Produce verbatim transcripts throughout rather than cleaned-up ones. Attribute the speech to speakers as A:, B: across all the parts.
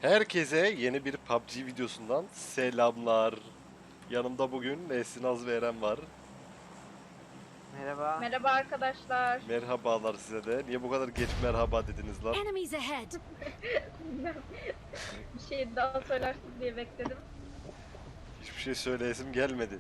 A: Herkese yeni bir P U B G videosundan selamlar. Yanımda bugün Esin Az ve Eren var.
B: Merhaba.
C: Merhaba arkadaşlar.
A: Merhabalar size de. Niye bu kadar geç merhaba dediniz lan?
D: Enemies ahead!
C: Bilmem. Bir şey daha söylersin diye bekledim.
A: Hiçbir şey söyleyesim gelmedi.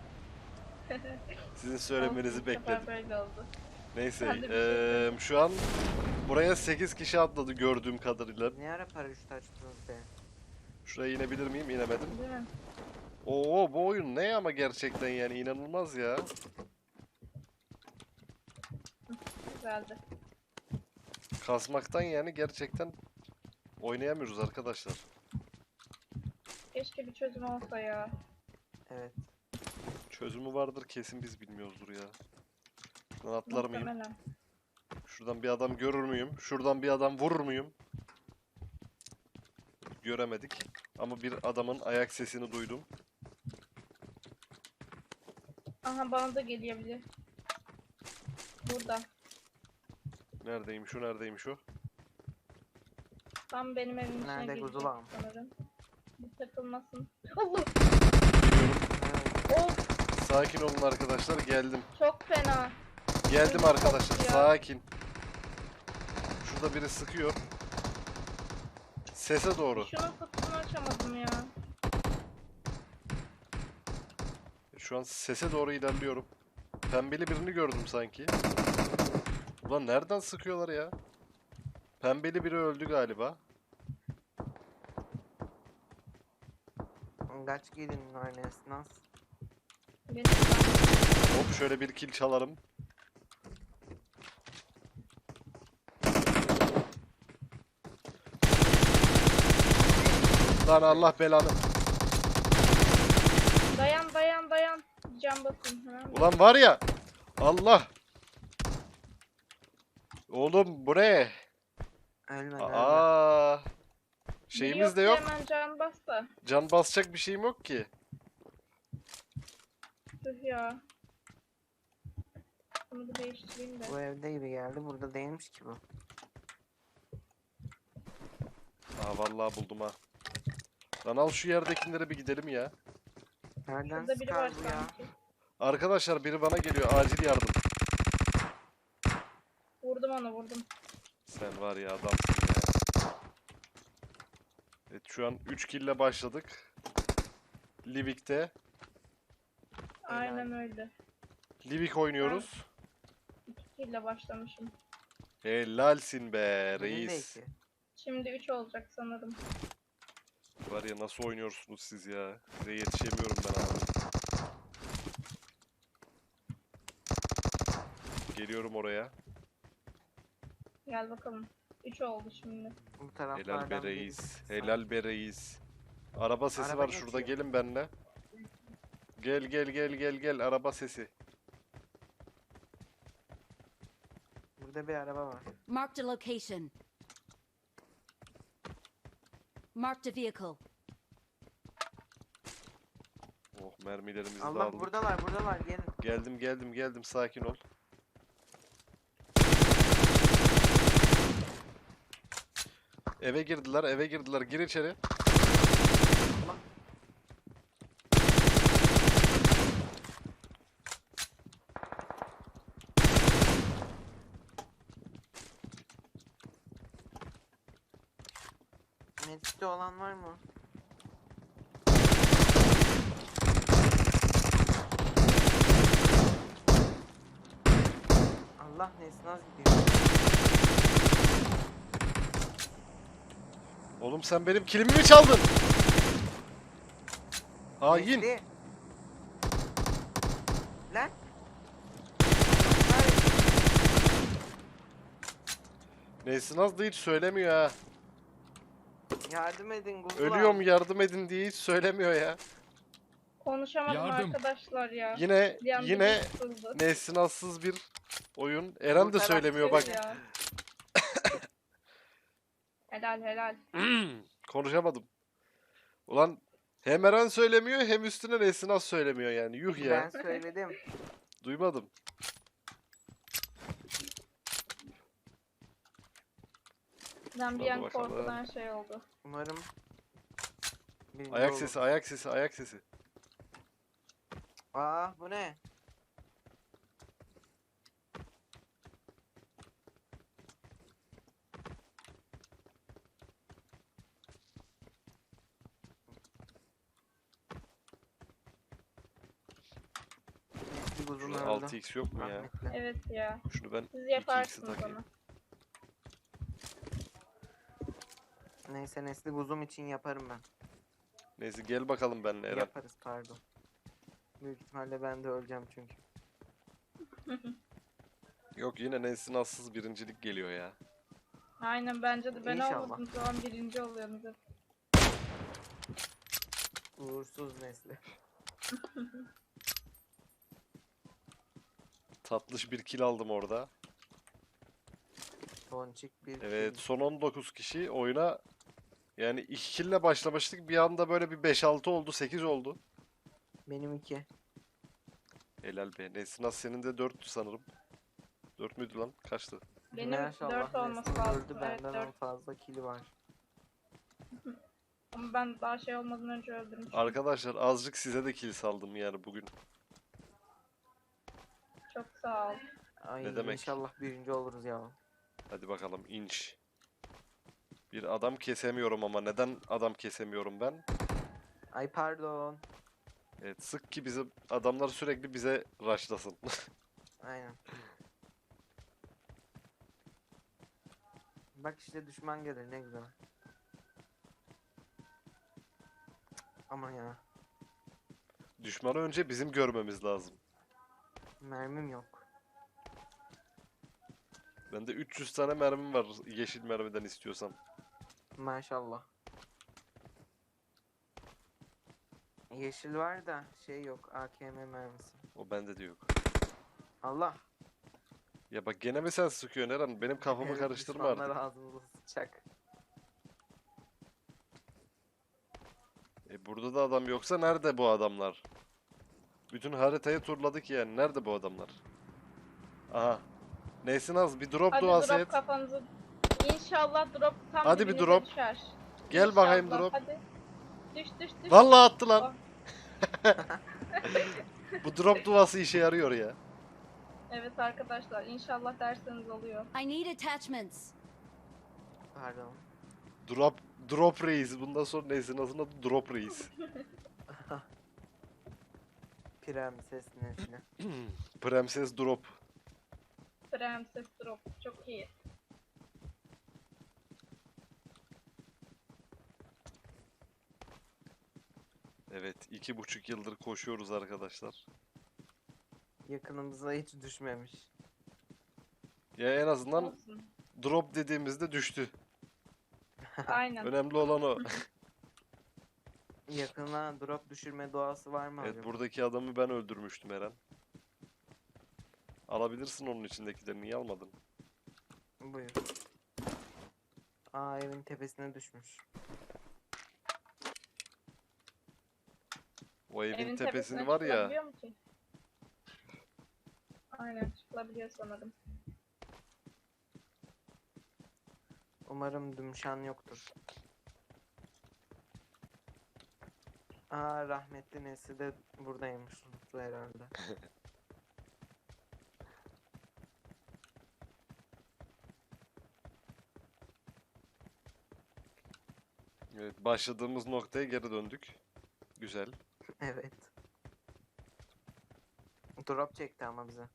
A: Sizin
C: Olsun,
A: söylemenizi
C: bu sefer
A: bekledim.
C: böyle oldu.
A: Neyse,
C: Ben de bir şey
A: eee,
C: söyledim.
A: şu an buraya sekiz kişi atladı gördüğüm kadarıyla.
B: Ne ara paraşüt açtınız be?
A: Şuraya inebilir miyim? İnemedim.
C: Değil mi?
A: Oo, bu oyun ne ama gerçekten yani inanılmaz ya.
C: Güzeldi.
A: Kasmaktan yani gerçekten oynayamıyoruz arkadaşlar.
C: Keşke bir çözüm olsa ya.
B: Evet.
A: Çözümü vardır kesin biz bilmiyoruzdur ya. Şuradan atlar mıyım?
C: Muhtemelen.
A: Şuradan bir adam görür müyüm? Şuradan bir adam vurur muyum? Göremedik. Ama bir adamın ayak sesini duydum.
C: Aha bana da gelebilir. Burada.
A: Neredeymiş o? Neredeymiş o?
C: Tam benim evimin içine
B: Nerede
C: girecek
B: kuzulam?
C: sanırım. Bir takılmasın. Allah!
A: Geliyorum.
B: Evet.
C: Of!
A: Sakin olun arkadaşlar. Geldim.
C: Çok fena.
A: Geldim
C: Ödüm
A: arkadaşlar.
C: koptu ya.
A: Sakin. Şurada biri sıkıyor. Sese doğru.
C: Şunun kutusunu açamadım ya.
A: Şu an sese doğru ilerliyorum. Pembeli birini gördüm sanki. Ulan nereden sıkıyorlar ya? Pembeli biri öldü galiba.
B: Kaç gelin var Nesnaz?
C: Benim
A: Hop şöyle bir kill çalarım. Lan Allah belanı.
C: Dayan dayan dayan. Can basın. Ha?
A: Ulan var ya. Allah. Oğlum bu ne?
B: Ölme ölme.
A: Aa.
C: Biri
A: Şeyimiz de
C: yoksa
A: yok.
C: Hemen can bas da.
A: Can basacak bir şeyim yok ki.
C: Tüh ya. Bunu bir değiştireyim de.
B: Bu evde gibi geldi. Burada değilmiş ki bu.
A: Aa vallahi buldum ha. Lan al şu yerdekilere bir gidelim ya.
B: Nereden
C: Burada biri var
B: sıkar bu ya?
C: sanki.
A: Arkadaşlar biri bana geliyor. Acil yardım.
C: Vurdum onu vurdum.
A: Sen var ya adamsın ya. Evet şu an üç kill ile başladık. Livik'te.
C: Aynen öyle.
A: Livik oynuyoruz.
C: iki ile başlamışım.
A: Helalsin be
B: Benim de
A: reis.
B: iki.
C: Şimdi üç olacak sanırım.
A: Var ya nasıl oynuyorsunuz siz ya. Size yetişemiyorum ben abi. Geliyorum oraya.
C: Gel bakalım. üç oldu şimdi.
B: Bu
A: Helal be
B: taraflardan
A: reis.
B: birisi.
A: Helal be reis. Araba sesi
B: Araba
A: var şurada
B: geçiyor.
A: gelin benimle. Gel gel gel gel gel araba sesi.
B: Burada bir araba var.
D: Marked a location. Marked a vehicle.
A: Oh mermilerimizi de
B: Allah
A: aldık.
B: buradalar buradalar gelin.
A: Geldim geldim geldim sakin ol. Eve girdiler eve girdiler gir içeri.
B: Allah. Medkit'te olan var mı? Allah Nesnaz gidiyor.
A: Oğlum sen benim kilimi mi çaldın? Hain.
B: Bekle. Lan. Hayır.
A: Neyse Naz da hiç söylemiyor ha.
B: Yardım edin Google.
A: Ölüyorum yardım edin diye hiç söylemiyor ya.
C: Konuşamadım
E: Yardım.
C: arkadaşlar ya.
A: Yine
C: Bir anda
A: yine
C: bir kısıldı.
A: Nesinassız bir oyun. Eren de
B: taraf
A: söylemiyor
C: Tüh
A: bak.
C: ya. Helal helal.
A: Konuşamadım. Ulan hem Eren söylemiyor hem üstüne Nesinas söylemiyor yani. Yuh ya.
B: Ben söyledim.
A: Duymadım.
C: Ben bir
A: Hadi
C: an
A: bakalım.
C: korkudan şey oldu.
B: Umarım birinci
A: Ayak
B: olur.
A: sesi, ayak sesi, ayak sesi.
B: Aa bu ne? Bir uzun
A: Şurada
B: öldü.
A: altı x yok mu ya?
B: Rahmetli.
C: Evet ya.
A: Şunu ben
C: Siz
A: iki x'i
C: yaparsınız
A: takayım.
C: onu.
B: Neyse Nesli buzum için yaparım ben.
A: Neyse gel bakalım benimle Eren.
B: Yaparız pardon. Büyük ihtimalle ben de öleceğim çünkü.
A: Yok yine Nesin Assız birincilik geliyor ya.
C: Aynen bence de ben
B: İnşallah.
C: olmadığım zaman birinci oluyorsunuz hep.
B: Uğursuz Nesli.
A: Tatlış bir kill aldım orada.
B: Tonçik bir
A: Evet
B: kill.
A: son on dokuz kişi oyuna yani iki kill'le başlamıştık. Bir anda böyle bir beş altı oldu, sekiz oldu.
B: Benim iki.
A: Helal be. Nesin As senin de dörttü sanırım. dört müydü lan? Kaçtı?
C: Benim
B: Maşallah,
C: dört olması
B: Nesli
C: lazım.
B: öldü,
C: Evet
B: benden
C: dört.
B: en fazla kili var.
C: Ama ben daha şey olmadan önce öldürmüşüm.
A: Arkadaşlar azıcık size de kill saldım yani bugün.
C: Çok sağ ol.
B: Ay
A: Ne demek?
B: inşallah birinci oluruz ya.
A: Hadi bakalım inç. Bir adam kesemiyorum ama neden adam kesemiyorum ben?
B: Ay pardon.
A: Evet sık ki bizim adamlar sürekli bize rushlasın.
B: Aynen. Bak işte düşman gelir ne güzel. Aman ya.
A: Düşmanı önce bizim görmemiz lazım.
B: Mermim yok.
A: Bende üç yüz tane mermim var yeşil mermiden istiyorsan.
B: Maşallah. Yeşil var da şey yok. A K M mermisi.
A: O bende de yok.
B: Allah.
A: Ya bak gene mi sen sıkıyorsun Eren? Benim kafamı
B: Evet,
A: karıştırma
B: düşmanlar
A: artık.
B: ağzımıza sıçacak.
A: E burada da adam yoksa nerede bu adamlar? Bütün haritayı turladık yani. Nerede bu adamlar? Aha. Neysin az bir drop
C: Hadi
A: duası
C: drop
A: et.
C: kafanızı. İnşallah drop tam
A: Hadi bir
C: dibinize
A: drop.
C: düşer.
A: Gel bakayım
C: İnşallah,
A: drop.
C: Hadi. Düş düş düş.
A: Vallahi attı lan.
C: Oh.
A: Bu drop duası işe yarıyor ya.
C: Evet arkadaşlar inşallah derseniz oluyor.
D: I need attachments.
B: Pardon.
A: Drop drop reis. Bundan sonra neyse nasıl adı drop reis.
B: Prenses Nesli.
A: Prenses drop.
C: Prenses drop çok iyi.
A: Evet iki buçuk yıldır koşuyoruz arkadaşlar.
B: Yakınımıza hiç düşmemiş.
A: Ya en azından
C: Olsun.
A: drop dediğimizde düştü.
C: Aynen.
A: Önemli olan o.
B: Yakına drop düşürme doğası var mı
A: Evet
B: acaba?
A: buradaki adamı ben öldürmüştüm Eren. Alabilirsin onun içindekileri. Niye almadın?
B: Buyur. Aa evin tepesine düşmüş.
A: O evin,
C: Evin
A: tepesini
C: tepesine
A: var ya.
C: çıkılabiliyor mu ki? Aynen çıkılabiliyor sanırım.
B: Umarım dümşan yoktur. Aa rahmetli Nesli de buradaymış. Unuttu herhalde.
A: Evet başladığımız noktaya geri döndük. Güzel.
B: Evet. Drop çekti ama bize.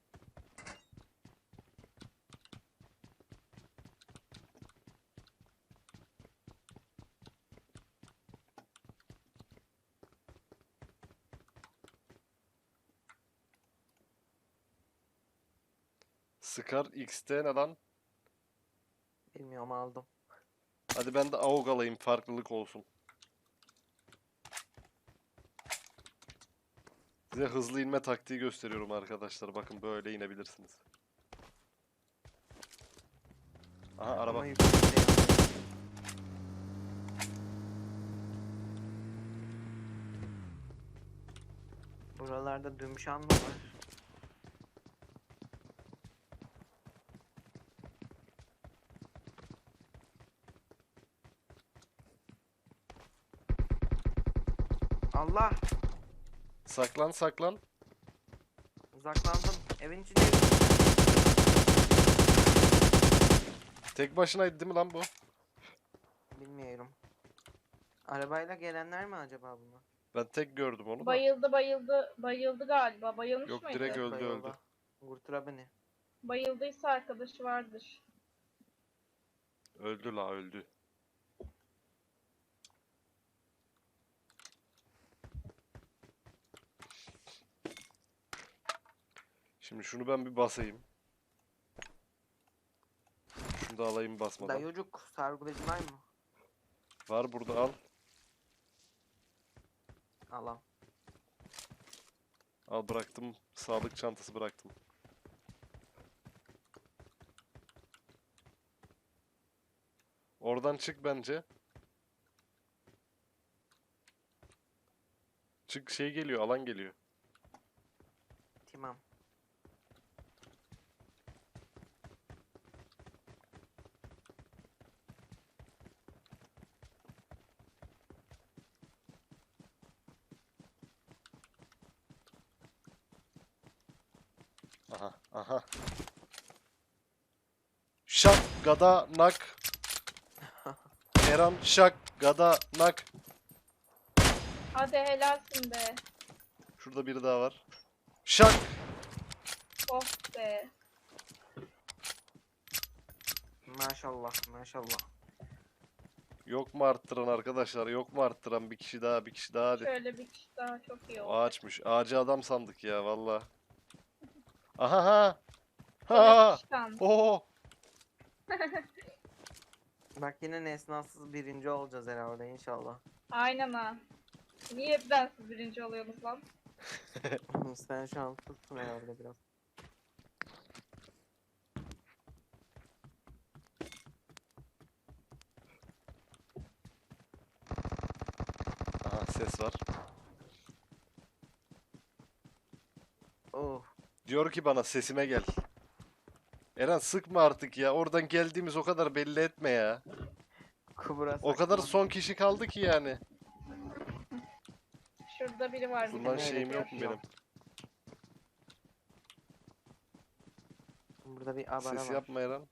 A: Scar X'te ne lan?
B: Bilmiyorum aldım.
A: Hadi ben de A U G alayım farklılık olsun. Size hızlı inme taktiği gösteriyorum arkadaşlar. Bakın böyle inebilirsiniz. Aha araba.
B: Ama yüksekte yandı. Buralarda dümşan mı var? Allah!
A: Saklan saklan.
B: Uzaklandım. Evin içinde.
A: Tek başınaydı değil mi lan bu?
B: Bilmiyorum. Arabayla gelenler mi acaba bunlar?
A: Ben tek gördüm onu da.
C: Bayıldı bayıldı. Bayıldı galiba. Bayılmış
A: Yok,
C: mıydı?
A: direkt öldü.
B: Bayıldı. Kurtura beni.
C: Bayıldıysa arkadaşı vardır.
A: Öldü la öldü. Şimdi şunu ben bir basayım. Şunu da alayım basmadan.
B: Dayıcuk sargılayıcı var mı?
A: Var burada, al.
B: Allah.
A: Al bıraktım. Sağlık çantası bıraktım. Oradan çık bence. Çık, şey geliyor, alan geliyor.
B: Tamam.
A: Aha, aha. Şak, gada, nak. Eren, şak, gada, nak.
C: Hadi helalsin be.
A: Şurada biri daha var. Şak.
C: Oh be.
B: Maşallah maşallah.
A: Yok mu arttıran arkadaşlar? Yok mu arttıran? Bir kişi daha, bir kişi daha hadi.
C: Şöyle bir kişi daha çok iyi oldu.
A: Ağaçmış. Ağacı adam sandık ya valla. Aha ha. Ha.
C: Çıkan.
A: Oo.
B: Bak yine nesnasız birinci olacağız herhalde inşallah.
C: Aynen ha. Niye hep bensiz birinci oluyorsunuz lan?
B: Sen şanslısın herhalde biraz.
A: Aha ses var.
B: Oh.
A: Diyor ki bana sesime gel. Eren sıkma artık ya. Oradan geldiğimiz o kadar belli etme ya.
B: Kubura
A: O kadar
B: saklan.
A: son kişi kaldı ki yani.
C: Şurada biri var.
A: Bundan
C: bizi
A: şeyim yok
C: bekliyor.
A: mu benim?
B: Burada bir abone
A: Ses
B: var.
A: yapma Eren.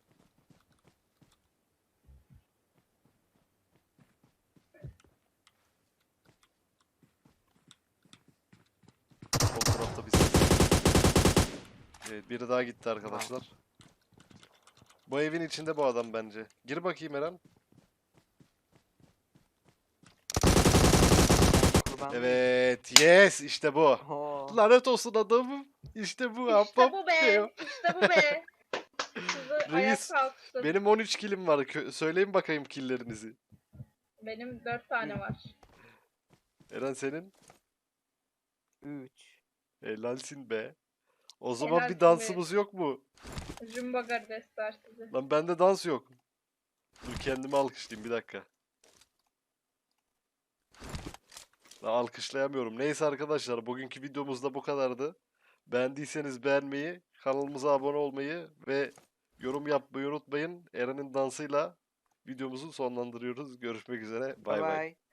A: O tarafta bir ses. Evet, biri daha gitti arkadaşlar. Bu evin içinde bu adam bence. Gir bakayım Eren.
B: Kurban
A: Evet, yes, işte bu.
B: Oo.
A: Lanet olsun adamım. İşte bu.
C: İşte
A: ahbap
C: bu be.
A: diyor.
C: İşte bu be. Sizi ayak
A: Reis,
C: kalksın.
A: benim on üç kilim var. Kö- Söyleyin bakayım killerinizi.
C: Benim dört tane var.
A: Eren senin?
B: üç.
A: Helalsin be. O zaman bir
C: Helalsin be.
A: dansımız yok mu?
C: Jumbo kardeşler sizi.
A: Lan bende dans yok. Dur kendimi alkışlayayım bir dakika. Lan alkışlayamıyorum. Neyse arkadaşlar bugünkü videomuz da bu kadardı. Beğendiyseniz beğenmeyi, kanalımıza abone olmayı ve yorum yapmayı unutmayın. Eren'in dansıyla videomuzu sonlandırıyoruz. Görüşmek üzere. Bay
B: Bye
A: bay.
B: bye.